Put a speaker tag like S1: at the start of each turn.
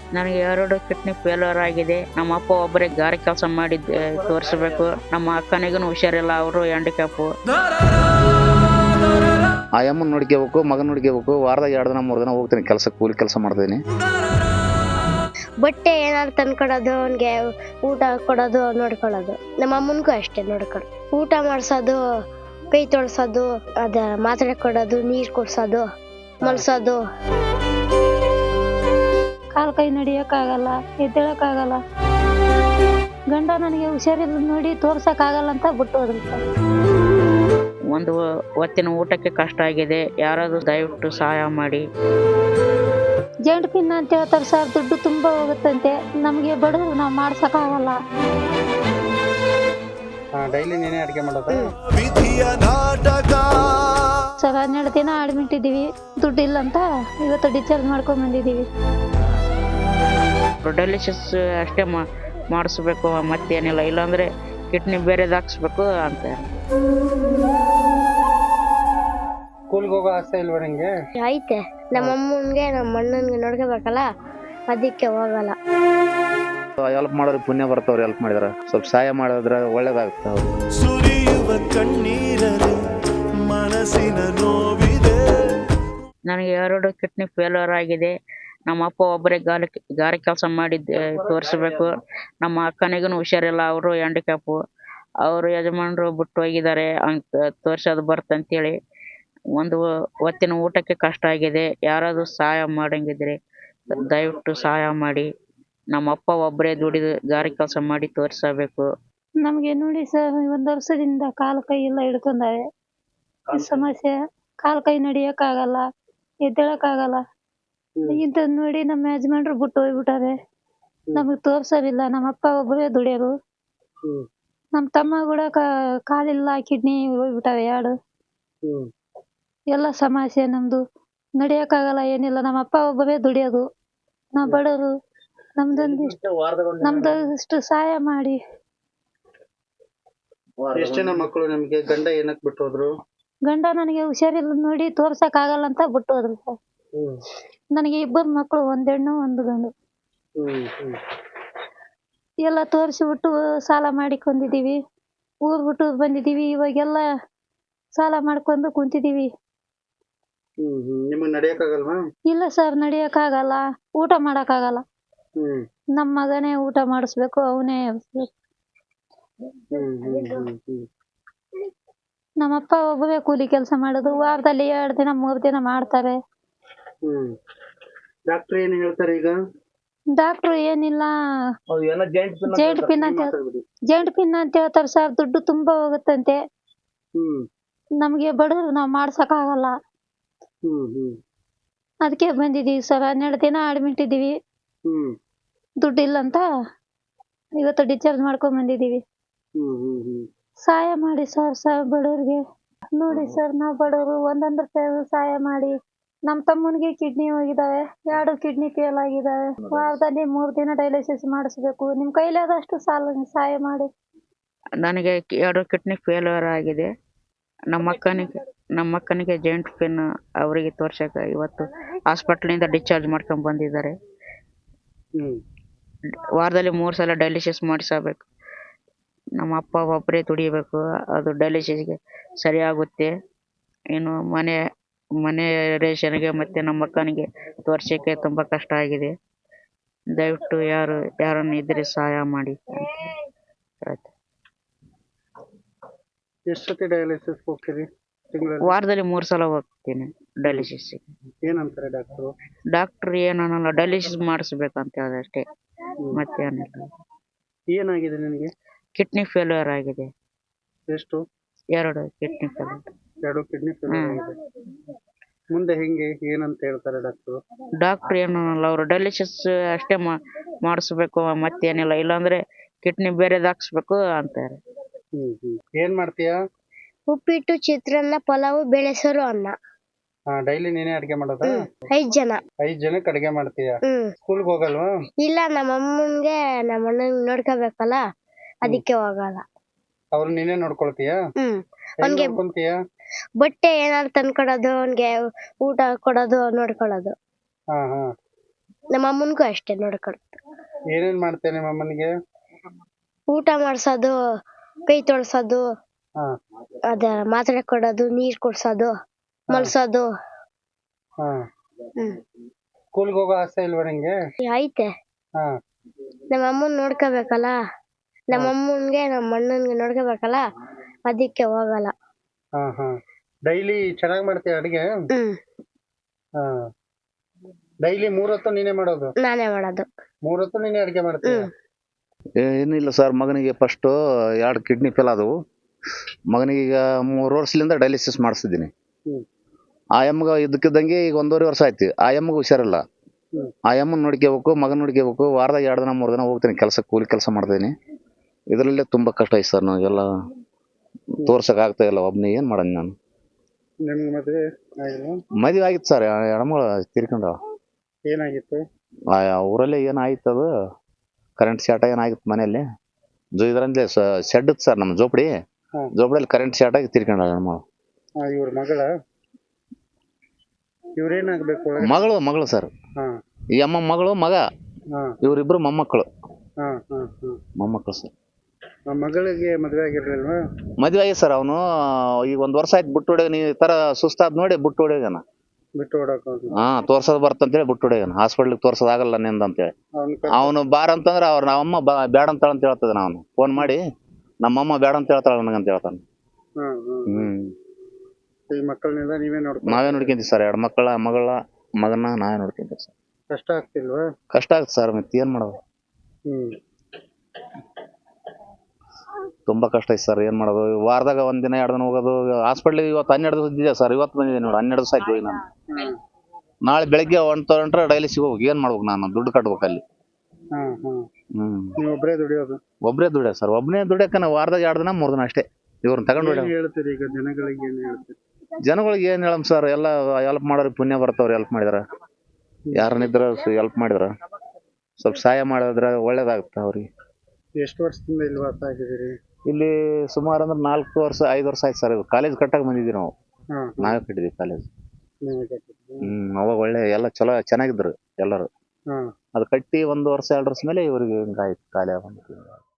S1: ನನಗೆ 2 kidney failure ಆಗಿದೆ. ನಮ್ಮ ಅಪ್ಪ ಒಬ್ಬರೇ ಗಾರೆ ಕೆಲಸ ಮಾಡಿ ತೋರಿಸ್ಬೇಕು. ನಮ್ಮ ಅಕ್ಕನಿಗೂ ಹುಷಾರಿಲ್ಲ, ಅವರು ಹ್ಯಾಂಡಿಕ್ಯಾಪು.
S2: ಆ ಅಮ್ಮನ ನೋಡ್ಕೋಬೇಕು, ಮಗನ ನೋಡ್ಕೋಬೇಕು. ವಾರದಾಗ 2 ದಿನ 3 ದಿನ ಹೋಗ್ತೀನಿ ಕೆಲಸಕ್ಕೆ, ಕೂಲಿ ಕೆಲಸ ಮಾಡ್ತೀನಿ.
S3: ಬಟ್ಟೆ ಏನಾದ್ರು ತಂದ್ಕೊಡೋದು, ಅವ್ನಿಗೆ ಊಟ ಕೊಡೋದು, ನೋಡ್ಕೊಳ್ಳೋದು. ನಮ್ಮ ಅಮ್ಮನಿಗೂ ಅಷ್ಟೇ ನೋಡ್ಕೊಳ್ಳೋದು. ಊಟ ಮಾಡ್ಸೋದು, ಕೈ ತೊಳ್ಸೋದು, ಅದ ಮಾತ್ರೆ ಕೊಡೋದು, ನೀರು ಕೊಡ್ಸೋದು, ಮಲ್ಸೋದು.
S4: ಕಾಲು ಕೈ ನಡಿಯೋಕ್ಕಾಗಲ್ಲ, ಎದ್ದೇಳಕ್ಕಾಗಲ್ಲ. ಗಂಡ ನನಗೆ ಹುಷಾರಿಲ್ಲ ನೋಡಿ ತೋರ್ಸಕ್ಕಾಗಲ್ಲ ಅಂತ ಬಿಟ್ಟು ಹೋದ್ರು ಸರ್.
S1: ಒಂದು ಹೊತ್ತಿನ ಊಟಕ್ಕೆ ಕಷ್ಟ ಆಗಿದೆ, ಯಾರಾದರೂ ದಯವಿಟ್ಟು ಸಹಾಯ ಮಾಡಿ.
S4: ಜಾಯಿಂಟ್ ಪಿನ್ ಅಂತ ಹೇಳ್ತಾರೆ ಸರ್, ದುಡ್ಡು ತುಂಬ ಹೋಗುತ್ತಂತೆ. ನಮಗೆ ಬಡವರು ನಾವು ಮಾಡ್ಸಕ್ಕಾಗಲ್ಲ.
S5: ಡೈಲಿ ನೀನೇ ಅಡುಗೆ ಮಾಡೋದು?
S4: ಸರ್ 12 ದಿನ ಅಡ್ಮಿಟ್ ಇದ್ದೀವಿ, ದುಡ್ಡು ಇಲ್ಲ ಅಂತ ಇವತ್ತು ಡಿಸ್ಚಾರ್ಜ್ ಮಾಡ್ಕೊಂಡ್ ಬಂದಿದ್ದೀವಿ.
S1: ಡಯಾಲಿಸಿಸ್ ಅಷ್ಟೇ ಮಾಡಿಸ್ಬೇಕು, ಮತ್ತೇನಿಲ್ಲ. ಇಲ್ಲಾಂದರೆ ಕಿಡ್ನಿ ಬೇರೆದು ಹಾಕ್ಸ್ಬೇಕು ಅಂತ.
S5: ಸ್ಕೂಲ್ಗೆ ಹೋಗೋ ಆಸೆ ಇಲ್ವಾ ನಿಂಗೆ?
S3: ಐತೆ. ನಮ್ಮ ಅಮ್ಮನಿಗೆ ನಮ್ಮ ಅಣ್ಣನಿಗೆ ನೋಡ್ಕೋಬೇಕಲ್ಲ, ಅದಕ್ಕೆ ಹೋಗಲ್ಲ.
S2: ಹೆಲ್ಪ್ ಮಾಡೋರು ಪುಣ್ಯ ಬರ್ತವ್ರು, ಹೆಲ್ಪ್ ಮಾಡಿದಾರೆ. ಸ್ವಲ್ಪ ಸಹಾಯ ಮಾಡಿದ್ರೆ ಒಳ್ಳೇದಾಗುತ್ತೆ.
S6: ಸುರಿಯುವ ಕಣ್ಣೀರರೆ ಮನಸ್ಸಿನ ನೋವಿದೆ.
S1: ನನಗೆ 2 ಕಿಡ್ನಿ ಫೇಲ್ಯೂರ್ ಆಗಿದೆ. ನಮ್ಮ ಅಪ್ಪ ಒಬ್ಬರೇ ಗಾರೆ ಕೆಲಸ ಮಾಡಿ ತೋರಿಸ್ಬೇಕು. ನಮ್ಮ ಅಕ್ಕನಿಗೂ ಹುಷಾರಿಲ್ಲ, ಅವರು ಹ್ಯಾಂಡಿಕ್ಯಾಪು. ಅವರು ಯಜಮಾನರು ಬಿಟ್ಟು ಹೋಗಿದ್ದಾರೆ, ಹಂಗೆ ತೋರಿಸೋದು ಬರ್ತಂತೇಳಿ. ಒಂದು ಹೊತ್ತಿನ ಊಟಕ್ಕೆ ಕಷ್ಟ ಆಗಿದೆ, ಯಾರಾದರೂ ಸಹಾಯ ಮಾಡಂಗಿದ್ರೆ ದಯವಿಟ್ಟು ಸಹಾಯ ಮಾಡಿ. ನಮ್ಮ ಅಪ್ಪ ಒಬ್ಬರೇ ದುಡಿದು ಗಾರೆ ಕೆಲಸ ಮಾಡಿ ತೋರಿಸಬೇಕು.
S4: ನಮಗೆ ನೋಡಿ ಸರ್, 1 ವರ್ಷದಿಂದ ಕಾಲು ಕೈ ಎಲ್ಲ ಹಿಡ್ಕೊಂಡಾವೆ. ಸಮಸ್ಯೆ, ಕಾಲು ಕೈ ನಡಿಯೋಕ್ಕಾಗಲ್ಲ, ಎದ್ದೇಳಕ್ಕಾಗಲ್ಲ. ಇಂಥದ್ದು ನೋಡಿ ನಮ್ಮ ಯಜಮಾನ್ರು ಬಿಟ್ಟು ಹೋಗ್ಬಿಟ್ಟಾರೆ. ನಮಗೆ ತೋರ್ಸೋದಿಲ್ಲ. ನಮ್ಮ ಅಪ್ಪ ಒಬ್ಬರೇ ದುಡಿಯೋರು. ನಮ್ಮ ತಮ್ಮ ಕೂಡ ಕಾಲಿಲ್ಲ, ಕಿಡ್ನಿ ಹೋಗ್ಬಿಟ್ಟಾವೆ 2. ಎಲ್ಲ ಸಮಸ್ಯೆ ನಮ್ದು. ನಡಿಯೋಕ್ಕಾಗಲ್ಲ, ಏನಿಲ್ಲ. ನಮ್ಮ ಅಪ್ಪ ಒಬ್ಬರೇ ದುಡಿಯೋದು, ನಾವು ಬಡವರು. ನಮ್ದೊಂದಿಷ್ಟು ಸಹಾಯ ಮಾಡಿ.
S5: ಎಷ್ಟು ಜನ ಮಕ್ಕಳು ನಿಮ್ಗೆ? ಗಂಡ ಏನಕ್ಕೆ ಬಿಟ್ಟು ಹೋದ್ರು?
S4: ಗಂಡ ನನಗೆ ಹುಷಾರಿಲ್ಲ ನೋಡಿ ತೋರ್ಸಕ್ಕಾಗಲ್ಲ ಅಂತ ಬಿಟ್ಟು ಹೋದ್ರು ಸರ್. ನನಗೆ 2 ಮಕ್ಕಳು, 1 ಹೆಣ್ಣು 1 ಗಂಡು. ಎಲ್ಲ ತೋರಿಸಿಬಿಟ್ಟು ಸಾಲ ಮಾಡಿಕೊಂಡಿದ್ದೀವಿ, ಊರ್ ಬಿಟ್ಟು ಬಂದಿದ್ದೀವಿ. ಇವಾಗೆಲ್ಲ ಸಾಲ ಮಾಡ್ಕೊಂಡು ಕುಂತಿದ್ದೀವಿ.
S5: ನಿಮಗೆ ನಡೆಯಕ್ಕಾಗಲ್ವಾ?
S4: ಇಲ್ಲ ಸರ್, ನಡಿಯಕ್ಕಾಗಲ್ಲ, ಊಟ ಮಾಡಕ್ಕಾಗಲ್ಲ. ನಮ್ಮ ಮಗನೇ ಊಟ ಮಾಡಿಸ್ಬೇಕು, ಅವನೇ ನಮ್ಮಪ್ಪ ಒಬ್ಬರೇ ಕೂಲಿ ಕೆಲಸ ಮಾಡೋದು. ವಾರದಲ್ಲಿ 2 ದಿನ 3 ದಿನ ಮಾಡ್ತಾರೆ.
S5: ಡಾಕ್ಟರ್ ಏನು ಹೇಳ್ತಾರೆ ಈಗ?
S4: ಡಾಕ್ಟ್ರು ಏನಿಲ್ಲ, ಜಾಯಿಂಟ್ ಪಿನ್ ಅಂತ ಹೇಳ್ತಾರೆ ಸರ್, ದುಡ್ಡು ತುಂಬಾ ಹೋಗುತ್ತಂತೆ. ನಮಗೆ ಬಡವರು ನಾವು ಮಾಡ್ಸಕ್ಕಾಗಲ್ಲ, ಅದಕ್ಕೆ ಬಂದಿದ್ದೀವಿ ಸರ್. 12 ದಿನ ಅಡ್ಮಿಟ್ ಇದ್ದೀವಿ, ದುಡ್ಡು ಇಲ್ಲ ಅಂತ ಇವತ್ತು ಡಿಸ್ಚಾರ್ಜ್ ಮಾಡ್ಕೊಂಡ್ ಬಂದಿದ್ದೀವಿ. ಸಹಾಯ ಮಾಡಿ ಸರ್, ಬಡವ್ರಿಗೆ ನೋಡಿ ಸರ್. ನಾವು ಬಡವರು, 1 ರೂಪಾಯಿ ಸಹಾಯ ಮಾಡಿ. ನಮ್ಮ ತಮ್ಮನಿಗೆ ಕಿಡ್ನಿ ಹೋಗಿದ್ದಾವೆ, 2 ಕಿಡ್ನಿ ಫೇಲ್ ಆಗಿದ್ದಾವೆ. ವಾರದಲ್ಲಿ 3 ದಿನ ಡಯಾಲಿಸಿಸ್ ಮಾಡಿಸ್ಬೇಕು. ನಿಮ್ಮ ಕೈಲಾದಷ್ಟು ಸಹಾಯ ಮಾಡಿ.
S1: ನನಗೆ 2 ಕಿಡ್ನಿ ಫೇಲ್ಯೂರ್ ಆಗಿದೆ. ನಮ್ಮ ಅಕ್ಕನಿಗೆ ಜಾಯಿಂಟ್ ಪೇನ್, ಅವರಿಗೆ ತೋರ್ಸಕ್ಕೆ ಇವತ್ತು ಹಾಸ್ಪಿಟ್ಲಿಂದ ಡಿಸ್ಚಾರ್ಜ್ ಮಾಡ್ಕೊಂಡು ಬಂದಿದ್ದಾರೆ. ವಾರದಲ್ಲಿ 3 ಸಲ ಡಯಾಲಿಸಿಸ್ ಮಾಡಿಸಬೇಕು. ನಮ್ಮ ಅಪ್ಪ ಒಬ್ಬರೇ ದುಡಿಬೇಕು, ಅದು ಡಯಾಲಿಸಿಸ್ಗೆ ಸರಿಯಾಗುತ್ತೆ. ಇನ್ನು ಮನೆ ರೇಷನ್ಗೆ ಮತ್ತು ನಮ್ಮ ಅಕ್ಕನಿಗೆ ತೋರ್ಸೋಕ್ಕೆ ತುಂಬ ಕಷ್ಟ ಆಗಿದೆ. ದಯವಿಟ್ಟು ಯಾರನ್ನು ಇದ್ರೆ ಸಹಾಯ ಮಾಡಿ ಅಂತ.
S5: ಎಷ್ಟು ಸತಿ ಡಯಾಲಿಸಿಸ್ ಹೋಗ್ತೀರಿ ತಿಂಗಳಲ್ಲಿ?
S1: ವಾರದಲ್ಲಿ 3 ಸಲ ಹೋಗ್ತೀನಿ ಡಯಾಲಿಸಿಸ್ಗೆ.
S5: ಏನಂತಾರೆ ಡಾಕ್ಟ್ರು?
S1: ಡಾಕ್ಟ್ರು ಏನನ್ನಲ್ಲ, ಡಯಾಲಿಸಿಸ್ ಮಾಡಿಸ್ಬೇಕಂತ ಹೇಳಿದೆ ಅಷ್ಟೇ, ಮತ್ತೇನಿಲ್ಲ.
S5: ಏನಾಗಿದೆ ನಿನಗೆ?
S1: ಕಿಡ್ನಿ ಫೇಲ್ಯೂರ್ ಆಗಿದೆ.
S5: ಎಷ್ಟು?
S1: 2 ಕಿಡ್ನಿ ಫೇಲ್ಯೂರ್.
S5: 2 ಕಿಡ್ನಿ ಫೇಲ್ಯೂರ್ ಆಗಿದೆ. ಮುಂದೆ ಹೆಂಗೆ, ಏನಂತ ಹೇಳ್ತಾರೆ ಡಾಕ್ಟ್ರು?
S1: ಡಾಕ್ಟ್ರು ಏನನ್ನಲ್ಲ, ಅವರು ಡಯಾಲಿಸಿಸ್ ಅಷ್ಟೇ ಮಾಡಿಸ್ಬೇಕು, ಮತ್ತೇನಿಲ್ಲ. ಇಲ್ಲಾಂದ್ರೆ ಕಿಡ್ನಿ ಬೇರೆದು ಹಾಕ್ಸ್ಬೇಕು ಅಂತಾರೆ.
S5: ಏನ್ ಮಾಡ್ತೀಯಾ?
S3: ಉಪ್ಪಿಟ್ಟು, ಚಿತ್ರಾನ್ನ, ಪಲಾವು, ಬೆಳೆಸರು, ಅನ್ನ.
S5: ಡೈಲಿ ನೀನೇ ಅಡ್ಗೆ ಮಾಡೋದಾ?
S3: 5 ಜನ.
S5: 5 ಜನಕ್ಕೆ ಅಡ್ಗೆ ಮಾಡ್ತೀಯಾ? ಸ್ಕೂಲ್ಗೆ ಹೋಗಲ್ವಾ?
S3: ಇಲ್ಲ, ನಮ್ಮ ಅಮ್ಮನ್ಗೆ ನಮ್ಮ ಅಣ್ಣನ್ ನೋಡ್ಕೋಬೇಕಲ್ಲ, ಅದಕ್ಕೆ ಹೋಗಲ್ಲ.
S5: ಅವ್ರು ನೀನೇ ನೋಡ್ಕೊಳ್ತೀಯಾ?
S3: ಅವ್ನ್ಗೆ
S5: ನೋಡ್ಕೊಂತೀಯಾ?
S3: ಬಟ್ಟೆ ಏನಾದ್ರು ತಂದ್ಕೊಡೋದು, ಅವ್ನ್ಗೆ ಊಟ ಕೊಡೋದು, ನೋಡ್ಕೊಳ್ಳೋದು. ನಮ್ಮ ಅಮ್ಮನಿಗೂ ಅಷ್ಟೇ ನೋಡ್ಕೊಳ್ಳೋದು.
S5: ಏನೇನ್ ಮಾಡ್ತೇನೆ ನಿಮ್ಮ ಅಮ್ಮನಿಗೆ?
S3: ಊಟ ಮಾಡ್ಸೋದು, ಕೈ ತೊಳ್ಸೋದು,
S5: ಹಾ
S3: ಅದ ಮಾತ್ರೆ ಕೊಡೋದು, ನೀರ್ ಕುಡ್ಸೋದು, ಮಲ್ಸೋದು.
S5: ಹಾ
S3: ಹ್ಮ್
S5: ಸ್ಕೂಲ್ಗೆ ಹೋಗೋ ಆಸೆ ಇಲ್ವಾ ನಿಂಗೆ?
S3: ಐತೆ.
S5: ಹಾ
S3: ನಮ್ಮ ಅಮ್ಮನ್ ನೋಡ್ಕೋಬೇಕಲ್ಲ, ನಮ್ಮ ಅಮ್ಮನ್ಗೆ ನಮ್ಮ ಅಣ್ಣನ್ಗೆ ನೋಡ್ಕೋಬೇಕಲ್ಲ, ಅದಕ್ಕೆ ಹೋಗಲ್ಲ.
S5: ಹಾ ಹಾ ಡೈಲಿ ಚೆನ್ನಾಗ್ ಮಾಡ್ತೀಯ ಅಡಿಗೆ? ಹಾ ಡೈಲಿ 3 ಹೊತ್ತು ನೀನೇ ಮಾಡೋದು?
S3: ನಾನೇ ಮಾಡೋದು.
S5: 3 ಹೊತ್ತು ನೀನೇ ಅಡಿಗೆ ಮಾಡ್ತೀಯ?
S2: ಏನಿಲ್ಲ ಸರ್, ಮಗನಿಗೆ ಫಸ್ಟ್ 2 ಕಿಡ್ನಿ ಫೇಲ್ ಆದವು. ಮಗನಿಗೆ ಈಗ 3 ವರ್ಷದಿಂದ ಡಯಾಲಿಸಿಸ್ ಮಾಡಿಸ್ತಿದ್ದೀನಿ.
S5: ಹ್ಮ್.
S2: ಆ ಎಮ್ಮಗೆ ಇದ್ದಕ್ಕಿದ್ದಂಗೆ ಈಗ 1.5 ವರ್ಷ ಆಯ್ತು. ಆ ಎಮ್ಮಗೆ ಹುಷಾರಿಲ್ಲ. ಆ ಎಮ್ಮನ್ ನೋಡ್ಕೋಬೇಕು, ಮಗನ್ ನೋಡ್ಕೋಬೇಕು. ವಾರದಾಗ 2 ದಿನ 3 ದಿನ ಹೋಗ್ತೀನಿ ಕೆಲಸ, ಕೂಲಿ ಕೆಲಸ ಮಾಡ್ತೀನಿ. ಇದರಲ್ಲೇ ತುಂಬಾ ಕಷ್ಟ ಐತೆ ಸರ್. ನಾವೆಲ್ಲ ತೋರ್ಸಕ್ ಆಗ್ತಾ ಇಲ್ಲ. ಒಬ್ನೇ ಏನ್ ಮಾಡೋಣ ನಾನು.
S5: ನಿಮ್ಗೆ ಮದ್ವೆ ಆಗಿಲ್ವಾ?
S2: ಮದುವೆ ಆಗಿತ್ತು ಸರ್, ಹೆಣ್ಮಗಳು ತೀರ್ಕೊಂಡವ.
S5: ಏನಾಗಿತ್ತು?
S2: ಊರಲ್ಲೇ ಏನಾಯ್ತು, ಅದು ಕರೆಂಟ್ ಶಾರ್ಟ್ ಏನಾಗಿತ್ತು ಮನೆಯಲ್ಲಿ. ಇದರಲ್ಲಿ ಶೆಡ್ ಇತ್ತು ಸರ್, ನಮ್ಮ ಜೋಪಡಿ. ಜೋಪಡಿಯಲ್ಲಿ ಕರೆಂಟ್ ಶಾರ್ಟ್ ಆಗಿ ತೀರ್ಕೊಂಡ ಹೆಣ್ಮಗಳು.
S5: ಇವ್ರ ಮಗಳ? ಇವ್ರೇನಾಗ್ಬೇಕು?
S2: ಮಗಳು ಸರ್.
S5: ಹಾ
S2: ಈ ಅಮ್ಮ ಮಗಳು, ಮಗ,
S5: ಹಾ
S2: ಇವ್ರಿಬ್ರು ಮೊಮ್ಮಕ್ಕಳು.
S5: ಹಾ ಹಾ ಹಾ
S2: ಮೊಮ್ಮಕ್ಕಳು ಸರ್.
S5: ಆ ಮಗಳಿಗೆ ಮದ್ವೆ ಆಗಿರ್ಲಿಲ್ವಾ?
S2: ಮದುವೆ ಆಗಿ ಸರ್. ಅವನು ಈಗ 1 ವರ್ಷ ಆಯ್ತು ಬಿಟ್ಟು ಹೊಡ್ಯಾಗ. ನೀ ಈ ತರ ಸುಸ್ತಾದ್ ನೋಡಿ ಬಿಟ್ಟು ಹೊಡ್ಯಾಗನ.
S5: ಬಿಟ್ಟು ಓಡಾಕ?
S2: ತೋರ್ಸೋದ್ ಬರ್ತಂತೇಳಿ ಬಿಟ್ಟು ಹೊಡ್ಯಾಗನ. ಹಾಸ್ಪಿಟ್ಲಿಗೆ ತೋರ್ಸೋದಾಗಲ್ಲ ನಿಂದ ಅಂತೇಳಿ. ಅವನು ಬಾರ ಅಂತಂದ್ರೆ ನಮ್ಮಮ್ಮ ಬೇಡ ಅಂತಾಳ ಅಂತ ಹೇಳ್ತದ. ನಾನು ಫೋನ್ ಮಾಡಿ ನಮ್ಮಮ್ಮ ಬೇಡ ಅಂತ ಹೇಳ್ತಾಳ ನನಗಂತ ಹೇಳ್ತಾನೆ.
S5: ಈ ಮಕ್ಕಳನ್ನೆಲ್ಲ ನೀವೇ
S2: ನಾವೇ ನೋಡ್ಕೊಂತೀವಿ ಸರ್. 2 ಮಗನ ನಾವೇ ನೋಡ್ಕೊಂತೀವಿ ಸರ್.
S5: ಕಷ್ಟ ಆಗ್ತಿಲ್ವಾ?
S2: ಕಷ್ಟ ಆಗುತ್ತೆ ಸರ್, ಮತ್ತೆ ಏನ್ ಮಾಡೋದು. ತುಂಬಾ ಕಷ್ಟ ಐತೆ ಸರ್, ಏನ್ ಮಾಡೋದು. ವಾರದಾಗ 1 ದಿನ 2 ದಿನ ಹೋಗೋದು. ಹಾಸ್ಪಿಟ್ಲಿಗೆ ಇವತ್ತು 12 ದಿವಸ ಇದ್ದಿದೆ ಸರ್. ಇವತ್ತು ಬಂದಿದೆ ನೋಡಿ, 12 ದಿವಸ ಆಯ್ತು ಹೋಗಿ ನಾನು. ನಾಳೆ ಬೆಳಗ್ಗೆ 1 ಡೈಲಿಸಿಗೆ ಹೋಗಿ ಏನ್ ಮಾಡ್ಬೇಕು ನಾನು? ದುಡ್ಡು ಕಟ್ಬೇಕು ಅಲ್ಲಿ.
S5: ಒಬ್ಬರೇ ದುಡಿಯೋದು?
S2: ಒಬ್ಬರೇ ದುಡಿಯ ಸರ್. ಒಬ್ಬನೇ ದುಡಿಯಕ ವಾರದಾಗ 2 ದಿನ 3 ದಿನ ಅಷ್ಟೇ. ಇವ್ರನ್ನ ತಗೊಂಡು
S5: ಹೇಳ್ತೀರಿ ಈಗ ಜನಗಳಿಗೆ? ಏನ್ ಹೇಳ್ತೀರಿ
S2: ಜನಗಳಿಗೆ? ಏನ್ ಹೇಳಮ್ ಸರ್, ಎಲ್ಲ ಹೆಲ್ಪ್ ಮಾಡೋರು ಪುಣ್ಯ ಬರ್ತಾವ್ರಿ. ಹೆಲ್ಪ್ ಮಾಡಿದಾರ, ಯಾರನ್ನಿದ್ರ ಹೆಲ್ಪ್ ಮಾಡಿದ್ರ, ಸ್ವಲ್ಪ ಸಹಾಯ ಮಾಡಿದ್ರ ಒಳ್ಳೇದಾಗುತ್ತೆ ಅವ್ರಿಗೆ.
S5: ಎಷ್ಟು ವರ್ಷದಿಂದ ಇಲ್ಲಿ ವಾಸ ಆಗಿದ್ದೀರಿ?
S2: ಇಲ್ಲಿ ಸುಮಾರು ಅಂದ್ರೆ 4 ವರ್ಷ 5 ವರ್ಷ ಆಯ್ತು ಸರ್. ಕಾಲೇಜ್ ಕಟ್ಟಾಗ ಬಂದಿದ್ದೀವಿ ನಾವು. ನಾವೇ ಕಟ್ಟಿದ್ವಿ ಕಾಲೇಜ್. ಅವಾಗ ಒಳ್ಳೆ ಎಲ್ಲ ಚಲೋ ಚೆನ್ನಾಗಿದ್ರು ಎಲ್ಲರೂ. ಅದು ಕಟ್ಟಿ 1 ವರ್ಷ 2 ವರ್ಷ ಮೇಲೆ ಇವ್ರಿಗೆ ಹಿಂಗಾಯ್ತು, ಖಾಲಿ ಆಗ.